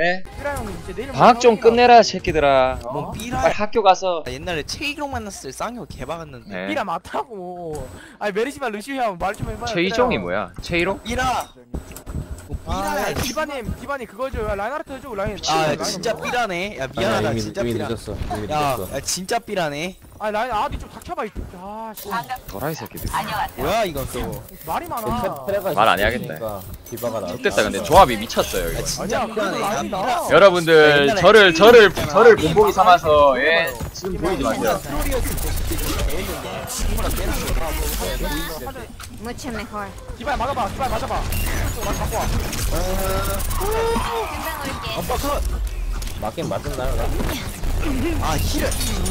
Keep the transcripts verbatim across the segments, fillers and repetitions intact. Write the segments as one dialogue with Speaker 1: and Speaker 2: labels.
Speaker 1: 예?
Speaker 2: 삐라 형님 이제 내일
Speaker 1: 방학 좀 끝내라 새끼들아.
Speaker 3: 뭐
Speaker 1: 어?
Speaker 3: 삐라
Speaker 1: 빨리 학교 가서.
Speaker 3: 아, 옛날에 최이종 만났을 때 쌍욕 개박았는데
Speaker 1: 네.
Speaker 2: 삐라 맞다고. 아니 메리시발 루시오 형 말 좀 해봐요.
Speaker 1: 최이종이 뭐야? 최이롱?
Speaker 3: 삐라 뭐
Speaker 2: 아,
Speaker 3: 삐라야
Speaker 2: 야, 디바님, 디바님 그거죠. 라인하르트 해줘, 라인.
Speaker 3: 아
Speaker 2: 라인
Speaker 3: 진짜
Speaker 2: 뭐.
Speaker 3: 삐라네 야
Speaker 4: 아니야,
Speaker 3: 미안하다
Speaker 4: 이미,
Speaker 3: 진짜
Speaker 4: 이미
Speaker 3: 삐라
Speaker 4: 늦었어. 이미
Speaker 3: 야,
Speaker 4: 늦었어.
Speaker 3: 야 진짜 삐라네
Speaker 2: 아니 라인 아비 좀 닥쳐봐. 이 아, 씨.
Speaker 1: 도라이 새끼들.
Speaker 3: 뭐야 이건 또
Speaker 2: 말이 많아.
Speaker 4: 페레가
Speaker 1: 말안 해야겠네.
Speaker 4: 있으니까 디바가 나.
Speaker 1: 좋됐다 근데 조합이 미쳤어요 이거.
Speaker 3: 야 진짜
Speaker 2: 아니야, 그래도
Speaker 3: 삐라네
Speaker 2: 라인이
Speaker 3: 야,
Speaker 2: 나.
Speaker 1: 여러분들
Speaker 3: 옛날에
Speaker 1: 저를 저를
Speaker 3: 있잖아.
Speaker 1: 저를 본보기 삼아서 예 지금 보이지 마세요.
Speaker 3: 트롤이었을 때 그때 배웠는데 친구랑 빼는 거다
Speaker 5: Mucho mejor.
Speaker 2: 디바야 맞아봐, 디바야 맞아봐. 맞아 갖고 와.
Speaker 5: 금방 올게.
Speaker 3: 아빠 컷!
Speaker 4: 맞긴 맞았나요? 나?
Speaker 3: 아 힐을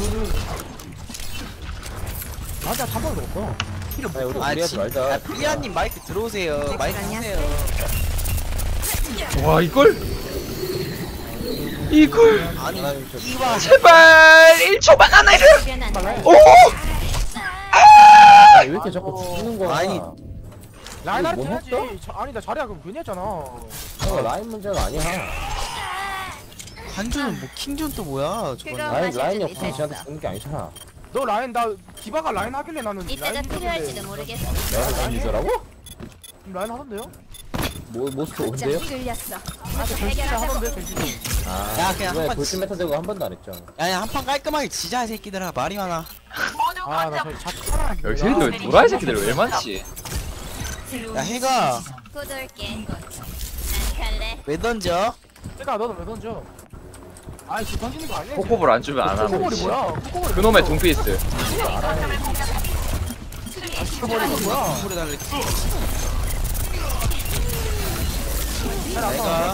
Speaker 2: 맞아, 한 번도 없어.
Speaker 4: 아니, 우리
Speaker 3: 아
Speaker 4: 무리하지
Speaker 3: 진-
Speaker 4: 말자.
Speaker 3: 아, 삐아님 마이크 들어오세요 마이크 쓰세요
Speaker 1: 와 이걸 이걸
Speaker 3: 아니
Speaker 4: 하나님 저-
Speaker 3: 이와
Speaker 1: 제발 일 초만 안 해줘.
Speaker 5: Funcionan.
Speaker 1: 오!
Speaker 4: 아니, 왜 이렇게 자꾸 죽는 거야?
Speaker 3: 아니,
Speaker 2: 라인하르트
Speaker 4: 뭐
Speaker 2: 해야지.
Speaker 4: 했어?
Speaker 2: 저, 아니 나 자리야 그럼 괜히 했잖아.
Speaker 4: 어, 라인 문제가 아니야.
Speaker 3: 관조는 뭐 킹존 또 뭐야 저건
Speaker 5: 그거-
Speaker 4: 라인
Speaker 5: 마실
Speaker 4: 라인이
Speaker 5: 준비
Speaker 4: 없으면 쟤한테
Speaker 5: 됐어.
Speaker 4: 죽는 게 아니잖아.
Speaker 2: 너 라인 나 디바가 라인 하길래 나는
Speaker 5: 이때가
Speaker 2: 라인
Speaker 5: 필요할지도
Speaker 2: 하길래.
Speaker 5: 모르겠어.
Speaker 4: 내가 라인 유저라고?
Speaker 2: 라인 하던데요?
Speaker 4: 뭐 모스트
Speaker 5: 좀
Speaker 4: 온대요?
Speaker 5: 끌렸어.
Speaker 2: 아, 저 전진짜 하던데 전진.
Speaker 4: 아,
Speaker 3: 야, 그냥
Speaker 4: 왜
Speaker 3: 한번
Speaker 4: 돌진 메타 되고 한 번도 안 했죠?
Speaker 3: 야야 한 판 깔끔하게 지자 이 새끼들아 말이 많아
Speaker 2: 아나 저기 자꾸
Speaker 1: 여기 새끼들 도라이 새끼들 왜 많지?
Speaker 3: 야 해가
Speaker 5: 곧 올게. 안 갈래.
Speaker 3: 왜 던져?
Speaker 2: 내가 너는 왜 던져? 아이 지금 던지는 거 아니야?
Speaker 1: 코코볼 안 주면 안 하면
Speaker 2: 코코볼이 뭐야? 코코볼이
Speaker 1: 그놈의 둠피스.
Speaker 2: 코코볼이 뭐야?
Speaker 3: 소리 달래
Speaker 2: 내가
Speaker 3: 내가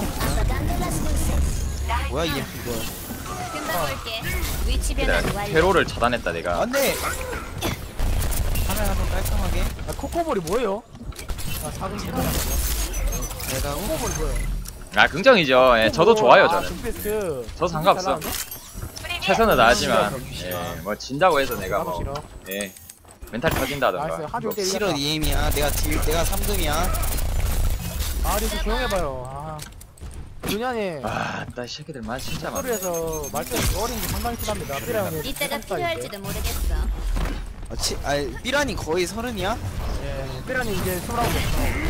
Speaker 3: 뭐야 이게 이거
Speaker 5: 금방 올게. 위치 변환
Speaker 1: 그래
Speaker 5: 완료.
Speaker 1: 테로를 차단했다 내가.
Speaker 3: 안돼 하나 한번 깔끔하게
Speaker 2: 아, 코코볼이 뭐예요? 아 작은 거.
Speaker 3: 내가
Speaker 2: 코코볼이 뭐예요?
Speaker 1: 아 긍정이죠. 예, 저도 좋아요
Speaker 2: 아,
Speaker 1: 저는.
Speaker 2: 둠피스트.
Speaker 1: 저 상관없어. 최선을 다하지만 예, 뭐 진다고 해서 내가
Speaker 2: 나도
Speaker 1: 뭐
Speaker 2: 싫어.
Speaker 1: 예, 멘탈이
Speaker 2: 나이스
Speaker 1: 터진다던가.
Speaker 2: 한줄때
Speaker 3: 싫어 니엠이야 내가 딜 내가 삼 등이야
Speaker 2: 아 리스 조용해봐요. 아 윤현이
Speaker 1: 아, 나 새끼들만 진짜 많아.
Speaker 2: 소리에서 말투가 어린 게 상당히 크답니다. 삐라 형님.
Speaker 5: 이때가 필요할지도 모르겠어.
Speaker 3: 아, 치, 아 삐라니 거의 서른이야?
Speaker 2: 예, 삐라님 이제 스물아홉 명.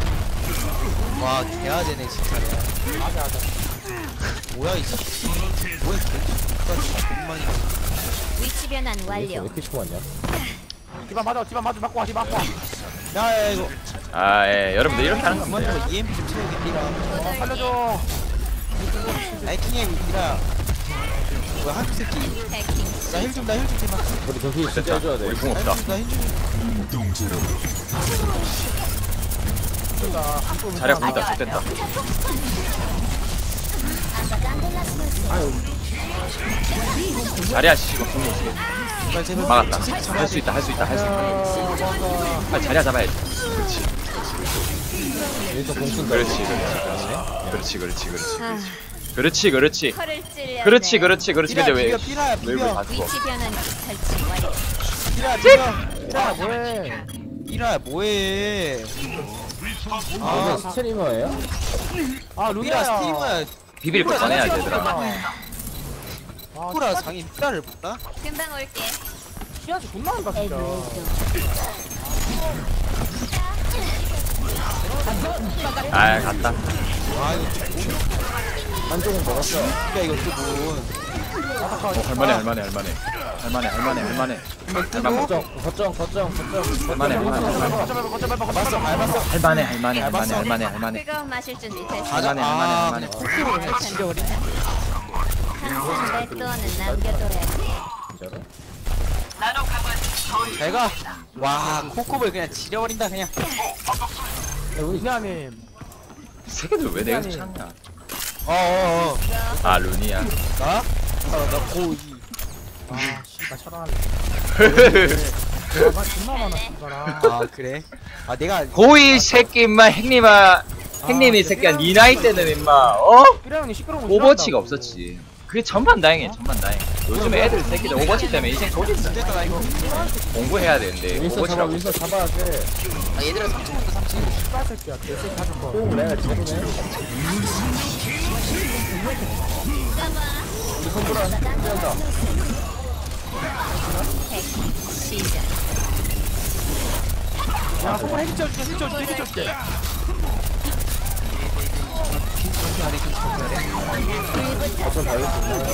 Speaker 3: 와 개아재네 진짜
Speaker 2: 맞아 맞아.
Speaker 3: 뭐야 이 새끼 뭐야 개같이 돈만이
Speaker 5: 위치 변환
Speaker 4: 왜
Speaker 5: 완료.
Speaker 4: 이렇게 심하냐?
Speaker 2: 디바 맞아, 디바 맞아, 맞고 와, 디바 맞고 와.
Speaker 3: 야야 이거
Speaker 1: 아, 예, 여러분들 이렇게 하는
Speaker 3: 그만
Speaker 1: 겁니다.
Speaker 3: 좀 이엠피 좀 채우게 삐라
Speaker 5: 곧 올게.
Speaker 2: 살려줘.
Speaker 3: 나이킹이 삐라 뭐야 한국 새끼
Speaker 5: 해킹.
Speaker 3: 나힐좀나힐좀 제발
Speaker 4: 우리 저기 진짜
Speaker 1: 됐다.
Speaker 4: 해줘야 돼.
Speaker 1: 우리 궁 없다.
Speaker 3: 나힐좀
Speaker 1: 자리가 보인다. 됐다. 자리야 씨가 궁 없어.
Speaker 3: 제발 제발
Speaker 1: 막았다.
Speaker 3: 저 새끼 잡아야
Speaker 1: 할 수
Speaker 3: 돼.
Speaker 1: 있다. 할 수 있다. 할 수 있다.
Speaker 2: 아,
Speaker 1: 빨리 자리야 잡아야지. 그렇지.
Speaker 4: 여기서 공 쓴다.
Speaker 1: 그렇지. 그렇지. 그렇지. 그렇지. 그렇지.
Speaker 5: 아,
Speaker 1: 그렇지. 그렇지.
Speaker 5: 털을 찔려.
Speaker 1: 그렇지. 그렇지. 그렇지.
Speaker 3: 삐라
Speaker 1: 근데 왜
Speaker 3: 비벼 삐라야
Speaker 1: 왜
Speaker 3: 비벼
Speaker 1: 다 죽어?
Speaker 5: 위치 변환 설치 완료.
Speaker 3: 삐라 비벼
Speaker 2: 삐라 뭐해?
Speaker 3: 삐라야 뭐해
Speaker 4: 아, 이게 스트리머예요?
Speaker 2: 아,
Speaker 3: 삐라
Speaker 2: 루미야.
Speaker 3: 스트리머야
Speaker 1: 비빌 거 꺼내야 되더라.
Speaker 2: 아,
Speaker 3: 쿠라 장인 삐라를 몰라?
Speaker 5: 금방 올게.
Speaker 2: 시야지 존나 한다 진짜.
Speaker 1: 아, 갔다.
Speaker 3: 아 이거
Speaker 4: 한쪽은 먹었어.
Speaker 3: 야 이거 또뭐
Speaker 1: 어, 할만해. 할만해. 할만해. 할만해. 할만해. 할만해. 할만해.
Speaker 4: 거점, 거점, 거점, 거점.
Speaker 1: 할만해. 할만해. 할만해.
Speaker 2: 거점 밟아, 거점 밟아, 거점
Speaker 3: 밟았어
Speaker 2: 밟아.
Speaker 3: 밟았어
Speaker 1: 할만해. 할만해. 할만해. 할만해. 할만해.
Speaker 5: 그거 마실 준비 됐어.
Speaker 3: 가자
Speaker 1: 할만해.
Speaker 3: 아
Speaker 1: 할만해.
Speaker 3: 그냥 코끼리를 그냥 지려버리
Speaker 5: 항상 내 돈은 남겨둬야지.
Speaker 4: 진짜로?
Speaker 3: 잘가 와 코코볼 그냥 지려버린다 그냥
Speaker 4: 야, 우리
Speaker 2: 윤현님.
Speaker 1: 새끼들 왜 내가 찾냐?
Speaker 3: 어어어
Speaker 1: 아, 루니야.
Speaker 3: 나? 아나 고이
Speaker 2: 아, 씨발 차단할래. 아, 존나 많아 진짜라.
Speaker 3: 아 그래? 아 내가
Speaker 1: 고이 새끼 임마 행님아 행님이
Speaker 2: 아,
Speaker 1: 새끼야
Speaker 2: 근데
Speaker 1: 니 나이 때는 임마 어?
Speaker 2: 삐라 형님 시끄러운 거
Speaker 1: 오버치가
Speaker 2: 싫어한다고.
Speaker 1: 없었지. 그게 전반다행이에요 전반다행. 요즘 애들 새끼들 오버워치 때문에 인생 조진다.
Speaker 3: 됐다 나 이거.
Speaker 1: 공부해야 되는데
Speaker 4: 윈서 잡아
Speaker 1: 오버워치라고.
Speaker 4: 윈서 잡아야 돼.
Speaker 3: 아 얘들아 삼 층 온다 삼 층.
Speaker 2: 씨발 새끼야 개새끼 하는 거
Speaker 4: 뽕 내가 제대네. 우리 손보라 뛰어온다.
Speaker 5: 핵 시작.
Speaker 2: 야 손을 핵이 쪄줄게 핵이 쪄줄게 핵이 쪄줄게
Speaker 3: 킹 안에 킹 안에.
Speaker 4: 어쩜 다이어트.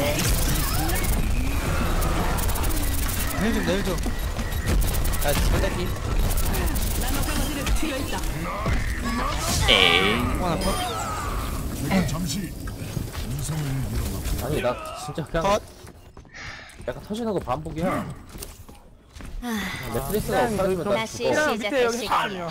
Speaker 3: 힐좀 내일 좀. 아 절대피.
Speaker 1: 에이.
Speaker 3: 하나 컷.
Speaker 4: 아니 나 진짜 그냥
Speaker 3: 컷.
Speaker 4: 약간 터진하고 반복이야.
Speaker 5: 아,
Speaker 4: 매트리스가 없어지면 나
Speaker 5: 다시
Speaker 4: 죽어.
Speaker 2: 그냥 밑에 여기
Speaker 5: 시작할
Speaker 2: 핵이야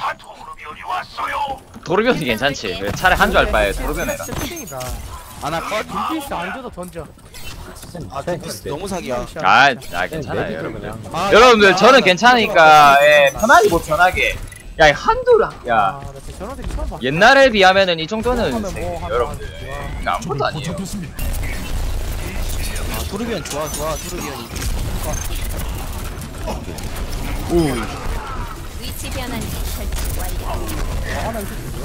Speaker 1: 도르변이 괜찮지. 왜 차라리 한 줄 알 바에 도르변 해라.
Speaker 2: 진짜 땡이다
Speaker 3: 하나 컷.
Speaker 2: 둠피스 안 줘도 던져
Speaker 3: 아 둠피스 너무 사기야.
Speaker 1: 아, 아 괜찮아요
Speaker 4: 내비도
Speaker 1: 여러분들.
Speaker 4: 그냥.
Speaker 3: 아,
Speaker 1: 여러분들
Speaker 3: 야,
Speaker 1: 저는
Speaker 3: 나-
Speaker 1: 괜찮으니까 예, 편하게 뭐 편하게. 야 한두 야
Speaker 2: 아나 진짜 저런 새끼 처음 봤어
Speaker 1: 옛날에 비하면은 이 정도는
Speaker 2: 하면 뭐 하면
Speaker 1: 여러분들
Speaker 2: 하면
Speaker 1: 이거 아무것도 아니에요.
Speaker 3: 아 토르비언 좋아 좋아 토르비언이.
Speaker 5: 위치 변환기 설치 완료.
Speaker 2: 아나 이 새끼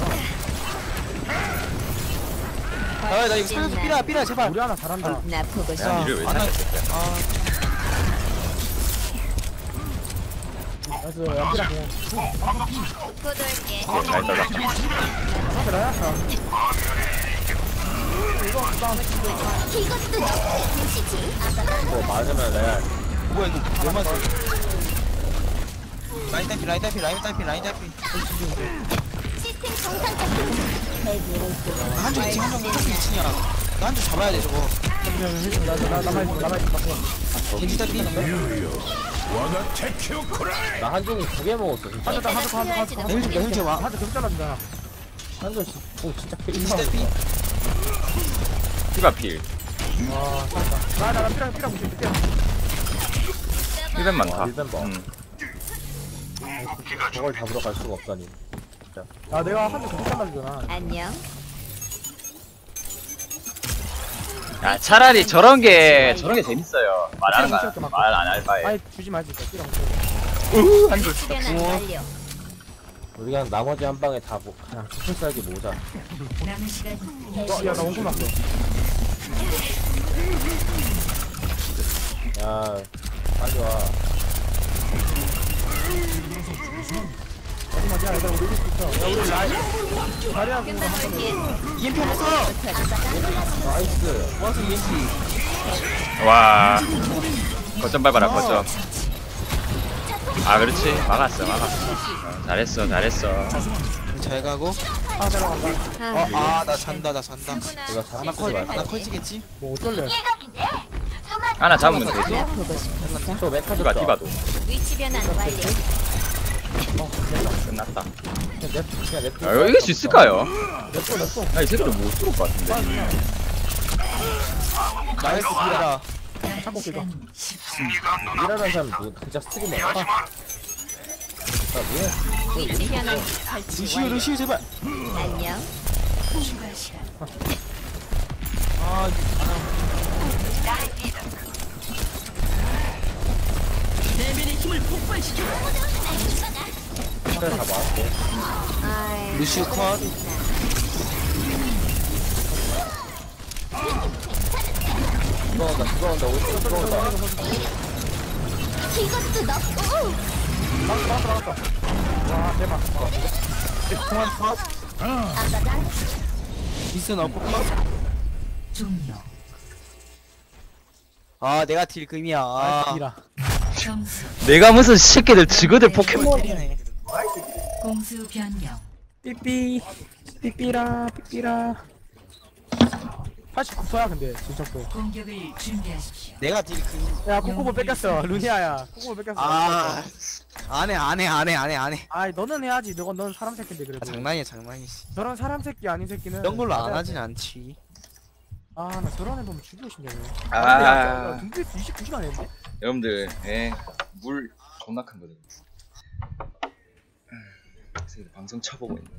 Speaker 2: 뭐야
Speaker 3: 아나 이거 살려줘 삐라 삐라 제발.
Speaker 2: 우리 하나 잘한다
Speaker 5: 나 보고 싶어.
Speaker 1: 야 이를 왜
Speaker 3: 아, 나-
Speaker 1: 찾겠어?
Speaker 3: 아
Speaker 2: 그래서 연기랑 그냥
Speaker 5: 곧 올게.
Speaker 1: 잘 떠다.
Speaker 2: 그래 이거 싸움
Speaker 4: 뭐 맞으면 내가
Speaker 3: 뭐야 이거 왜 맞아? 라인 딸피 라인 딸피 라인 딸피 라인 딸피. 한쪽 이층 한쪽 한쪽 이층이야. 나 한쪽 잡아야 돼 저거.
Speaker 2: 나 남아있어 남아있어
Speaker 3: 겐지 딸피.
Speaker 4: 나 한종이 두 개 먹었어 진짜.
Speaker 2: 하자 하자 하자 하자
Speaker 3: 힐 좀, 힐 좀 와.
Speaker 2: 하자 계속 잘라준다
Speaker 4: 한종 오 진짜
Speaker 3: 겐지
Speaker 4: 페이스.
Speaker 3: 딸피.
Speaker 1: 피가 필.
Speaker 2: 와 잘한다 나나 피랑 피랑 무시 피랑
Speaker 1: 힐벤 많다.
Speaker 4: 힐벤 봐.
Speaker 1: 음.
Speaker 4: 저걸 잡으러 갈 수가 없다니.
Speaker 2: 야 내가 한대 계속 잘라주잖아
Speaker 5: 안녕.
Speaker 1: 야 차라리 저런 게 저런 게 재밌어요. 말하는 거말안 할 바에.
Speaker 2: 아이 주지 말지 진짜 피랑
Speaker 1: 우후 한 줄.
Speaker 5: 위치 변환 완료.
Speaker 4: 우리 그냥 나머지 한 방에 다 뭐, 그냥 수술 쌀기 모자.
Speaker 2: 야나 원금 났어
Speaker 4: 야 빨리 와.
Speaker 2: 마지막이야 얘들아 우리 이길 수 있어 야 우리 라이 자리하고
Speaker 5: 금방 올게.
Speaker 3: 이엠피 없어.
Speaker 4: 나이스.
Speaker 3: 와서 이엠피.
Speaker 1: 와. 거점 밟아라 거점. 아 그렇지 막았어 막았어. 어, 잘했어 잘했어.
Speaker 3: 잘 가고.
Speaker 2: 아 내려간다
Speaker 5: 아,
Speaker 3: 아 나 잔다 나 잔다.
Speaker 4: 이거
Speaker 3: 하나
Speaker 4: 잡히지
Speaker 3: 컷
Speaker 4: 말고.
Speaker 3: 하나 컷이겠지?
Speaker 2: 뭐 어쩔래
Speaker 1: 하나 잡으면 되지.
Speaker 5: 나 보고 싶어.
Speaker 4: 저 메카
Speaker 1: 디바
Speaker 4: 줬다.
Speaker 1: 디바도
Speaker 5: 위치 변환 완료.
Speaker 1: 끝났다.
Speaker 4: 그냥 냅 그냥 냅.
Speaker 1: 야 이거 이길 수 있을까요?
Speaker 2: 냅둬 냅둬
Speaker 1: 나 이 새끼를 못 뚫을 것 같은데.
Speaker 3: 나이스 삐라.
Speaker 2: 참고 끼가
Speaker 4: 일하는 사람 누구 진짜 스트리머야. 아 뭐야?
Speaker 5: 위치 변환기 설치
Speaker 3: 루시우
Speaker 5: 완료.
Speaker 3: 루시우 제발.
Speaker 5: 안녕.
Speaker 3: 아
Speaker 4: 그래 다 맞았고.
Speaker 5: 아이,
Speaker 3: 루시우 컷.
Speaker 4: 들어온다 들어온다 오른쪽 들어온다.
Speaker 2: 막았어 막았어 막았어 와 대박
Speaker 3: 통한 컷. 미스는 없고 컷. 아 내가 딜 금이야.
Speaker 2: 아
Speaker 3: 아.
Speaker 2: 딜이라
Speaker 1: 내가 무슨 새끼들 지그들 포켓몬.
Speaker 3: 때리네.
Speaker 6: 공수 변경.
Speaker 2: 삐삐 삐삐라 삐삐라 팔십구 퍼야 근데 진척도
Speaker 6: 공격을 준비하십시오.
Speaker 3: 내가 딜 금.
Speaker 2: 야 코코보 뺏겼어 루니아야 코코보 뺏겼어
Speaker 3: 아 안해 안해 안해 안해 안해.
Speaker 2: 아이 너는 해야지 너건 넌 사람 새끼인데
Speaker 3: 아,
Speaker 2: 그래도
Speaker 3: 장난이야 장난이지.
Speaker 2: 저런 사람 새끼 아닌 새끼는
Speaker 3: 이런 걸로 안
Speaker 2: 맞아야
Speaker 3: 하진
Speaker 2: 돼.
Speaker 3: 않지.
Speaker 2: 아 나 저런 애 보면 죽이고 싶네
Speaker 1: 아.
Speaker 2: 등비 이십구 시간 했는데
Speaker 1: 여러분들, 예, 물 존나 큰 거죠. 그래서 방송 쳐보고 있는.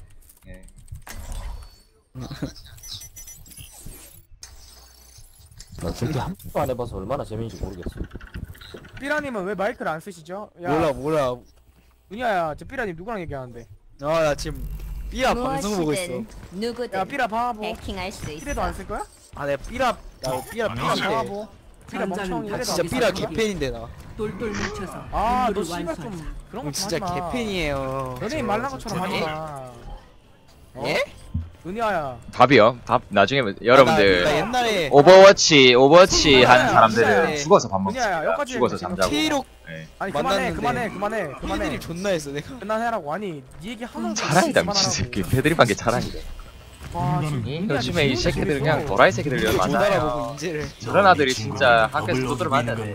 Speaker 1: 예.
Speaker 4: 나 준비 한 번도 안 해봐서 얼마나 재밌는지 모르겠어.
Speaker 2: 삐라님은 왜 마이크를 안 쓰시죠? 야,
Speaker 3: 몰라 몰라.
Speaker 2: 은희야, 저 삐라님 누구랑 얘기하는데?
Speaker 3: 아 나 지금 삐아 방송 보고 있어.
Speaker 5: 무엇이든 누구든
Speaker 2: 야, 삐라 바보.
Speaker 5: 해킹할 수 있어.
Speaker 2: 삐라도 안 쓸 거야?
Speaker 3: 아 내가 삐라 야 삐라
Speaker 2: 삐라
Speaker 3: 삐인데.
Speaker 2: 바보. 삐라 멍청이.
Speaker 3: 아
Speaker 2: 이래도
Speaker 3: 진짜
Speaker 2: 안
Speaker 3: 삐라
Speaker 2: 쓸 거야?
Speaker 3: 개팬인데 나.
Speaker 6: 돌돌 뭉쳐서
Speaker 2: 아, 너
Speaker 6: 임무를
Speaker 2: 씨발
Speaker 6: 완수하자.
Speaker 2: 좀 그런
Speaker 3: 형
Speaker 2: 거
Speaker 3: 진짜
Speaker 2: 하지 마.
Speaker 3: 개팬이에요.
Speaker 2: 연예인 말난 것처럼 하지
Speaker 3: 예?
Speaker 2: 마. 어?
Speaker 3: 예?
Speaker 2: 은희야.
Speaker 1: 밥이요. 밥 나중에 여러분들
Speaker 3: 나, 나 옛날에
Speaker 1: 오버워치 오버워치 하는
Speaker 2: 네.
Speaker 1: 사람들은 죽어서 밥
Speaker 2: 은희야,
Speaker 1: 먹습니다.
Speaker 2: 여기까지
Speaker 1: 죽어서
Speaker 2: 얘기해.
Speaker 1: 잠자고.
Speaker 3: K록
Speaker 1: 네.
Speaker 2: 아니 그만해,
Speaker 3: 만났는데.
Speaker 2: 그만해, 그만해, 그만해.
Speaker 3: 팬들이 존나 했어 내가.
Speaker 2: 그만해라고. 아니, 네 얘기 하나도
Speaker 1: 자랑이다 미친 새끼. 패드립한 게 자랑이다.
Speaker 2: 와, 지금
Speaker 1: 이
Speaker 2: 은희야,
Speaker 1: 요즘에 이
Speaker 2: 진짜
Speaker 1: 새끼들
Speaker 2: 재밌어.
Speaker 1: 그냥 도라이 새끼들이란
Speaker 3: 못
Speaker 1: 맞아요.
Speaker 3: 알아보고 인재를.
Speaker 1: 저런 아들이 진짜 학교에서 두드려 맞아야 돼.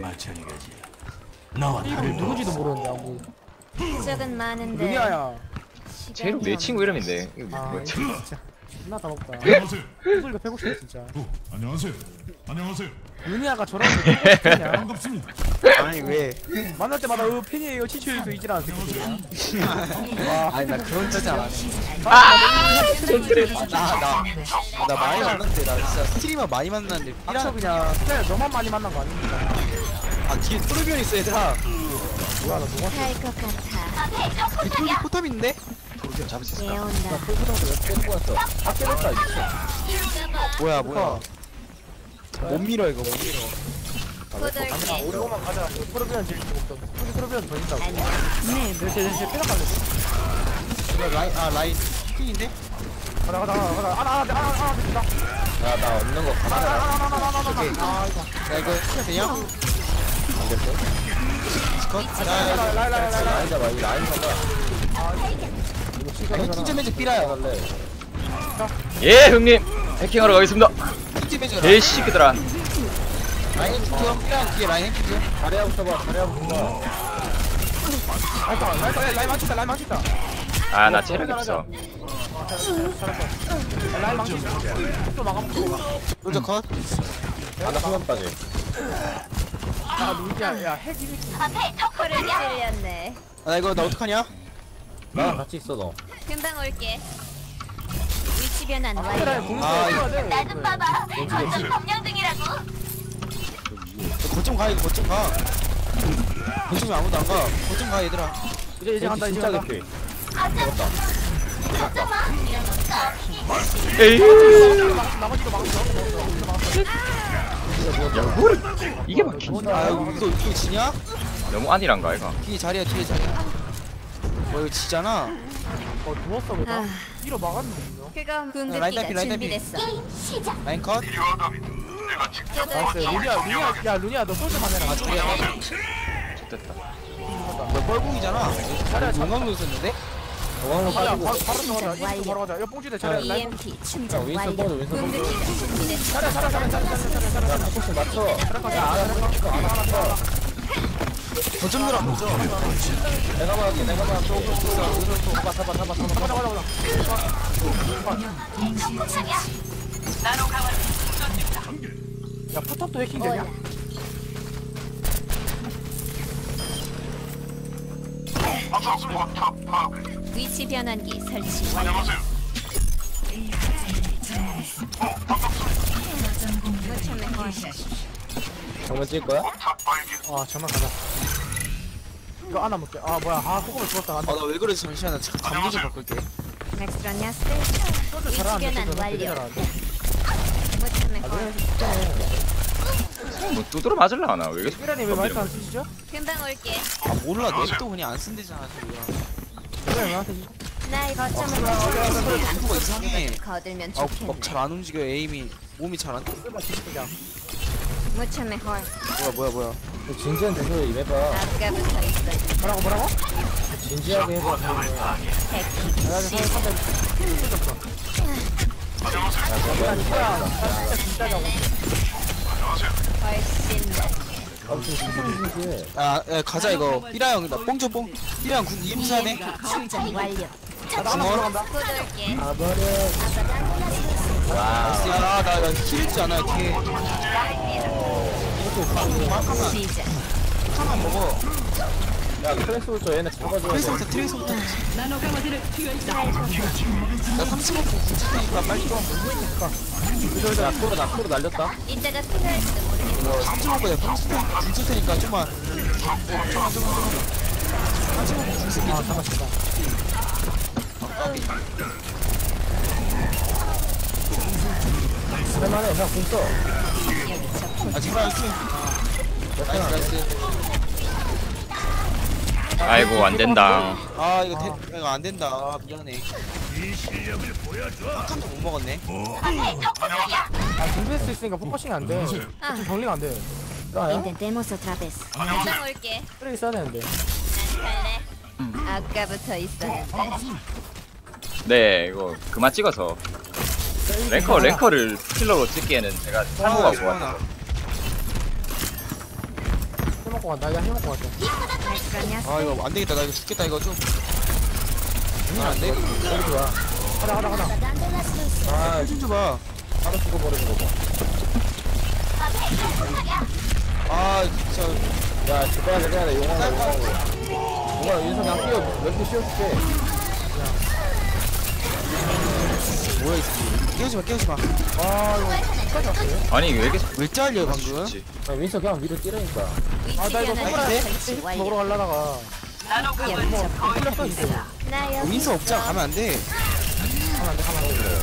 Speaker 2: 이름 누군지도 모르는데 아무.
Speaker 5: 적은 많은데
Speaker 2: 은희야야.
Speaker 1: 제이로 내 친구 이름인데. 이거
Speaker 2: 아,
Speaker 1: 뭐-
Speaker 2: 진짜. 존나 다 먹다.
Speaker 7: 안녕하세요.
Speaker 2: 소리가 패고 싶네 진짜.
Speaker 7: 어, 안녕하세요. 안녕하세요.
Speaker 2: 은희야가 저런 거 패고 싶냐?
Speaker 7: 반갑습니다.
Speaker 3: 아니 왜?
Speaker 2: 만날 때마다 어 팬이에요 치치해서 이지라는 새끼들이야. 와,
Speaker 3: 아니 나 그런 짓 안 해.
Speaker 2: 아,
Speaker 3: 나나 나 많이 만났는데 나 진짜 스트리머 많이 만났는데
Speaker 2: 닥쳐
Speaker 3: 삐라
Speaker 2: 그냥. 그냥 너만 많이 만난 거 아닙니까?
Speaker 3: 아 뒤에 토르비언 있어 얘들아.
Speaker 2: 뭐야 나 누가
Speaker 5: 할 것 같아.
Speaker 3: 이 토르비 포탑인데?
Speaker 1: 도르비언 잡을 수 있을까?
Speaker 5: 깨온다.
Speaker 4: 뺏고 왔어. 다 깨졌다 이거.
Speaker 3: 뭐야 뭐야. 못 밀어 이거 못 밀어.
Speaker 5: 포돌게.
Speaker 2: 우리 오만 가자. 프로비언 제일 없어. 우리 프로비언 더 있다고.
Speaker 5: 안녕.
Speaker 2: 네, 이렇게 이렇게 빼앗갈래.
Speaker 3: 이거 라인 아 라인 킹인데?
Speaker 2: 가자 가자 가자 가자. 하나 하나 하나 하나 됐다.
Speaker 4: 야나 없는 거
Speaker 2: 하나
Speaker 4: 가만히
Speaker 2: 하나 하나 하나 하나
Speaker 3: 오케이.
Speaker 2: 하나. 아 이거.
Speaker 3: 야 이거 해야 되냐?
Speaker 4: 안 됐어?
Speaker 3: 컷.
Speaker 2: 라이
Speaker 3: 야
Speaker 2: 라이 라이 라이 라이.
Speaker 4: 라인 잡아 이 라인 잡아. 이거
Speaker 3: 아,
Speaker 4: 시간
Speaker 3: 해킹 좀 해줘 삐라야.
Speaker 4: 할래.
Speaker 1: 예 형님 해킹하러 가겠습니다.
Speaker 3: 해킹 좀 해줘.
Speaker 1: 개 새끼들아.
Speaker 3: 라인 해킹 좀. 삐라 뒤에 라인 해킹 좀.
Speaker 4: 자리야부터 봐 자리야부터 봐.
Speaker 2: 라이 라이 라이 라이 망쳤다 라이 망쳤다.
Speaker 1: 아 나 체력이 없어.
Speaker 2: 라이 망쳤다. 또 막아먹고.
Speaker 3: 로저 컷.
Speaker 4: 하나 후면 빠지.
Speaker 2: 아 누구야? 야 핵이
Speaker 5: 코를 찔렸네.
Speaker 3: 아, 나 이거 나 어떡하냐?
Speaker 4: 나랑 같이 있어 너.
Speaker 5: 금방 올게. 위치 변환
Speaker 2: 카메라에
Speaker 5: 완료.
Speaker 2: 공수
Speaker 3: 아,
Speaker 2: 해야 돼.
Speaker 5: 나좀 봐봐. 완전 점령 중이라고.
Speaker 3: 거점 가 이거 거점 가. 거점에 아무도 안 가. 거점 가 얘들아.
Speaker 2: 이제 이제 간다 이제
Speaker 4: 진짜
Speaker 2: 간다.
Speaker 4: 개피.
Speaker 1: 에이.
Speaker 2: 나머지도 막았어.
Speaker 1: 야 뭘? 이게 막힌.
Speaker 3: 아 이거 이거 이거 지냐?
Speaker 1: 너무 아니란가 이거.
Speaker 3: 뒤에 자리야 뒤에 자리야. 뭐 이거 지잖아.
Speaker 2: 어 누웠어 그다.
Speaker 5: 아.
Speaker 2: 뒤로 막았는데 분명.
Speaker 5: 그거
Speaker 3: 라인 딸피,
Speaker 5: 궁극기가
Speaker 3: 라인 딸피.
Speaker 5: 준비됐어.
Speaker 3: 라인 컷.
Speaker 2: 나이스. 루니야 루니야 야 루니야 너 솔직만 해라.
Speaker 3: 아 자리야.
Speaker 1: 됐다.
Speaker 3: 너 뻘궁이잖아.
Speaker 2: 자리야 자.
Speaker 3: 용광로 있었는데?
Speaker 4: 중앙으로
Speaker 2: 야
Speaker 4: 빠지고.
Speaker 2: 바로 바로 들어가자. 이거 바로 가자. 야 뽕지대 자리야. 라인
Speaker 5: 이엠피 충전
Speaker 4: 윈스턴
Speaker 5: 완료.
Speaker 4: 보드, 윈스턴 보드.
Speaker 5: 궁극기가 준비됐어.
Speaker 2: 자리야 자리야 자리야 자리야 자리야 자리야.
Speaker 4: 야 포커스 맞춰.
Speaker 3: 거점 들어 거점.
Speaker 4: 내가 막게 내가 막. 잡아 잡아 잡아 잡아.
Speaker 2: 가자 가자 가자. 야 포탑도 해킹 되냐?
Speaker 5: 뭐야? 위치 변환기 설치 완료. 무참해 헐.
Speaker 4: 정면 찔 거야?
Speaker 2: 아 정말 가자. 이거 하나 먹게. 아 뭐야? 아 소금을 주웠다.
Speaker 3: 아 나 왜 그러지 잠시만 나 잠깐 감기 좀 바꿀게.
Speaker 5: 맥스로냐스
Speaker 2: 소주
Speaker 5: 위치
Speaker 2: 잘하는데
Speaker 5: 변환
Speaker 2: 소주
Speaker 5: 완료.
Speaker 2: 되게 잘하는데.
Speaker 5: 무참해 헐.
Speaker 1: 뭐 두드려 맞을라 하나? 왜 이렇게
Speaker 2: 삐라님 왜 마이크 안 쓰시죠?
Speaker 5: 금방 올게.
Speaker 3: 아 몰라 냅도 그냥 안 쓴대잖아 소리야.
Speaker 2: 삐라님 왜 안 쓰시죠?
Speaker 5: 나의 거점을
Speaker 3: 속도가 이상해.
Speaker 5: 거들면
Speaker 3: 아
Speaker 5: 좋겠네.
Speaker 3: 막 잘 안 움직여 에임이 몸이 잘 안 돼.
Speaker 2: 쓰바 뒤집자.
Speaker 5: 무참해 헐.
Speaker 3: 뭐야 뭐야 뭐야.
Speaker 4: 진지한 대소에 임해봐.
Speaker 5: 아까부터 있어.
Speaker 2: 뭐라고 뭐라고?
Speaker 4: 진지하게 해봐.
Speaker 5: 해킹.
Speaker 2: 야
Speaker 5: 시- 훨씬 낫.
Speaker 4: 아무튼 진지해.
Speaker 3: 아, 야, 가자 이거. 삐라 형, 나 뽕줘 뽕. 삐라 형 군 이엠사네.
Speaker 5: 이엠피 충전 완료.
Speaker 3: 중얼.
Speaker 5: 꽂을게.
Speaker 4: 가버려.
Speaker 3: 야, 나나 힐지 않아 뒤에.
Speaker 5: 시작.
Speaker 3: 하나만 먹어.
Speaker 4: 야 트레스부터 얘네 잡아줘.
Speaker 3: 트레이서부터 트레이서부터. 나 삼 삼십 분 굳히니까 빨리 좀.
Speaker 4: 야 코로 나 코로 날렸다.
Speaker 5: 이때가 필요할지도 모르겠어.
Speaker 3: 삼십 분에 굳힐 테니까 좀만. 좀만, 좀만, 좀만. 삼십 분 굳힐게.
Speaker 2: 아 잠깐 잠깐
Speaker 4: 할만해. 그냥 공 써.
Speaker 5: 여기 저
Speaker 3: 아, 제발, 이렇게. 나이스, 나이스.
Speaker 1: 아이고 안 된다.
Speaker 3: 아, 이거, 대, 이거 안 된다. 아, 미안해. 한 칸도 못 먹었네.
Speaker 2: 아 준비할 수 있으니까 포커싱이 안돼
Speaker 5: 아,
Speaker 2: 좀 정리가 안돼
Speaker 4: 나야?
Speaker 5: intentemos otra vez. 금방 올게.
Speaker 2: 쓰레기 써야 되는데
Speaker 5: 난 갈래. 아까부터 있었는데.
Speaker 1: 네 이거 그만 찍어서 랭커 랭커를 킬러로 찍기에는 제가 참고가 좋아.
Speaker 2: 해먹고 간다 야 해먹고 갔다
Speaker 5: 발가냐?
Speaker 3: 아, 이거 안 되겠다. 나 이거 죽겠다. 이거 좀. 이거 안 돼?
Speaker 4: 여기 좋아.
Speaker 2: 가자 가자 가자
Speaker 4: 아
Speaker 3: 좀 줘봐.
Speaker 4: 바로 죽어버리는 거 봐.
Speaker 3: 아, 진짜.
Speaker 4: 야 집어야 돼. 그냥 용광로 용광로. 용광로 인성 그냥 끼워. 몇 개 씌워줄게.
Speaker 3: 뭐야, 이 새끼. 깨우지 마, 깨우지 마.
Speaker 2: 아 이거 끝까지 왔어요?
Speaker 1: 아니 왜 이렇게
Speaker 3: 왜 잘려, 방금?
Speaker 1: 죽지?
Speaker 4: 야 윈서 그냥 위로 뛰라니까.
Speaker 2: 아 나 이거
Speaker 5: 위치 변환
Speaker 2: 손가락에
Speaker 5: 설치
Speaker 2: 힐
Speaker 5: 완료.
Speaker 2: 먹으러 가려다가
Speaker 5: 여기 저
Speaker 2: 풀렸어 이제
Speaker 5: 나 여기
Speaker 3: 윈서 없자 가면 안 돼.
Speaker 2: 가만 안돼 가만 안돼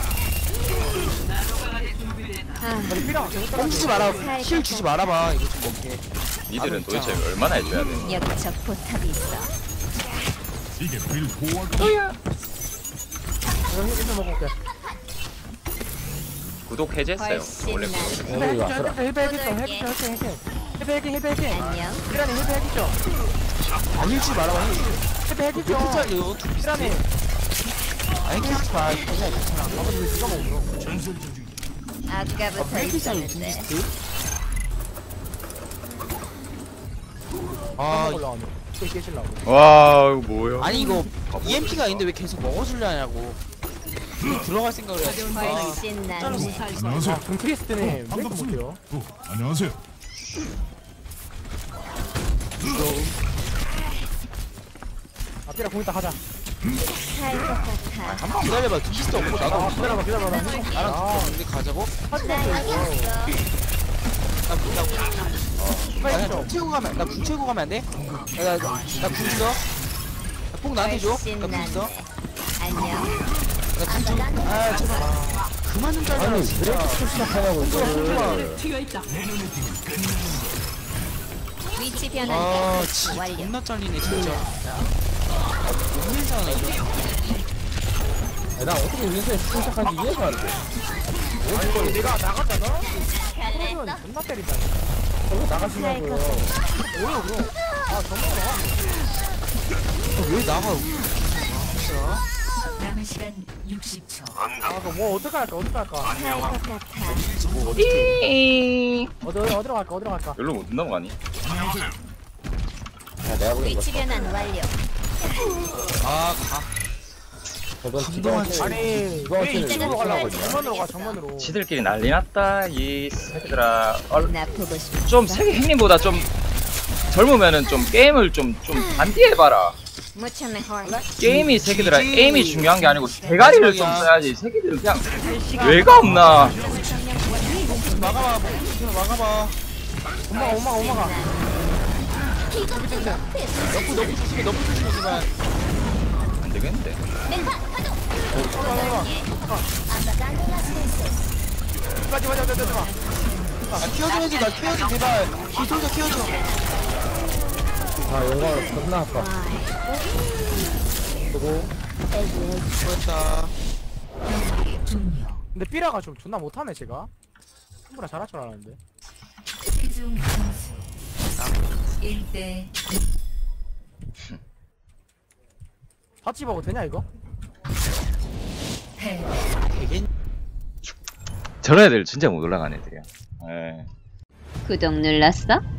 Speaker 5: 아,
Speaker 2: 우리 필요 없어
Speaker 3: 뽕 주지 마라. 힐 주지 말아봐. 이거 좀 먹게.
Speaker 1: 니들은 도대체 얼마나 해줘야 돼?
Speaker 5: 여기 저 포탑이 있어.
Speaker 7: 이게 빌보아가
Speaker 2: 이거 힐 먹고 올게
Speaker 1: 구독 해제했어요.
Speaker 5: 훨씬
Speaker 1: 원래
Speaker 5: 나.
Speaker 4: 여기
Speaker 2: 헬
Speaker 4: 왔어라.
Speaker 2: 헬 헬 헬 헬 헬 헬 헬
Speaker 5: 안녕.
Speaker 2: 피라니 헬 헬기죠
Speaker 3: 안 힐 주지 말아봐. 힐.
Speaker 2: 헬 헬기죠
Speaker 3: 몇 킬짜리요?
Speaker 2: 피라니
Speaker 3: 아니, 힐 주지 마.
Speaker 2: 아버지 왜 누가 먹어
Speaker 5: 아까부터
Speaker 3: 몇 킬짜리
Speaker 5: 있었는데.
Speaker 3: 둠비스트?
Speaker 2: 아
Speaker 3: 아,
Speaker 2: 올라가네 또 깨실라고
Speaker 1: 와 이거 뭐야?
Speaker 3: 아니 이거 이엠피가 있는데 왜 계속 먹어주려냐고. 들어갈 생각을 해야지.
Speaker 5: 훨씬 낫네.
Speaker 7: 안녕하세요.
Speaker 2: 아 금크리스트네 왜 이렇게
Speaker 7: 반갑습니다.
Speaker 2: 못해요?
Speaker 7: 어, 안녕하세요.
Speaker 2: 아 피라 공 이따 가자
Speaker 5: 살것 같아.
Speaker 3: 잠깐 기다려봐. 둠비스트 없고 나도
Speaker 2: 아
Speaker 3: 없어.
Speaker 2: 기다려봐 기다려봐 나 힐-
Speaker 3: 나랑
Speaker 2: 아
Speaker 3: 근데 가자고?
Speaker 5: 나 여기 있어.
Speaker 3: 나, 나, 나
Speaker 2: 빨리
Speaker 3: 그냥
Speaker 2: 좀
Speaker 3: 국 채고 가면, 나 국 채고 가면 안 돼? 나, 나, 나국 있어? 나뽕 나한테 줘?
Speaker 5: 훨씬
Speaker 3: 나국 있어?
Speaker 5: 낫네. 안녕.
Speaker 3: 나국 좀, 아, 제발. 그만 좀 잘라,
Speaker 4: 아니 왜
Speaker 3: 진짜.
Speaker 4: 이렇게 또 시작하냐고 이거를.
Speaker 5: 위치
Speaker 3: 아,
Speaker 5: 변환
Speaker 3: 진짜
Speaker 5: 완료.
Speaker 3: 존나 잘리네, 진짜. 못 밀잖아, 이거.
Speaker 4: 야, 나 어떻게 윈서에 시작한지 이해가 안 돼.
Speaker 2: 아니 내가 나갔다가
Speaker 5: 갈래?
Speaker 2: 그러면 존나 때린다
Speaker 4: 저거 나가시냐고요.
Speaker 2: 뭐야 그럼 아 정말
Speaker 3: 왜 나가? 아, 진짜.
Speaker 6: 남은 시간 육십 초.
Speaker 2: 아 그럼 뭐 어떡할까 어떡할까
Speaker 5: 살것 같아.
Speaker 3: 뭐, 어떻게.
Speaker 2: 어디 어디 어디로 갈까 어디로 갈까
Speaker 1: 여기로 못 넘어가니?
Speaker 7: 안녕하세요.
Speaker 4: 야 내가 보기엔
Speaker 5: 위치
Speaker 4: 이거
Speaker 5: 변환 완료.
Speaker 3: 아, 가.
Speaker 4: 저건
Speaker 3: 감동한
Speaker 4: 지금
Speaker 2: 아니
Speaker 4: 이거
Speaker 2: 왜
Speaker 4: 어떻게
Speaker 2: 이쪽으로
Speaker 5: 이거
Speaker 2: 가려고
Speaker 5: 어떻게
Speaker 2: 정면으로 가
Speaker 5: 알겠어.
Speaker 2: 정면으로
Speaker 1: 지들끼리 난리 났다 이 새끼들아. 얼,
Speaker 5: 나 보고 싶어.
Speaker 1: 좀 세계 형님보다 좀 젊으면은 좀 게임을 좀 좀 반디해봐라.
Speaker 5: Mucho mejor.
Speaker 1: 게임이 새끼들아
Speaker 3: 지지.
Speaker 1: 에임이 중요한 게 아니고 대가리를 좀 써야지. 이 새끼들은 그냥 뇌가 없나?
Speaker 3: 막아봐, 뭐, 좀 막아봐.
Speaker 2: 엄마가 엄마가 엄마가
Speaker 3: 너프, 너프 조심해, 너프 조심해, 제발.
Speaker 1: 안 되겠는데.
Speaker 2: 맞지 맞지 맞지 맞지
Speaker 3: 아, 키워줘야지, 나 키워줘, 제발. 기술자 키워줘.
Speaker 4: 아 영광을 겁나 아파. 그리고
Speaker 3: 그렇다.
Speaker 6: 종료.
Speaker 2: 근데 삐라가 좀 존나 못하네 제가 충분히 잘할 줄 알았는데
Speaker 6: 최종 점수 일 대
Speaker 2: 같이 먹어도 되냐 이거?
Speaker 6: 패.
Speaker 3: 되겠
Speaker 1: 저런 애들 진짜 못 올라가는 애들이야. 예.
Speaker 5: 구독 눌렀어?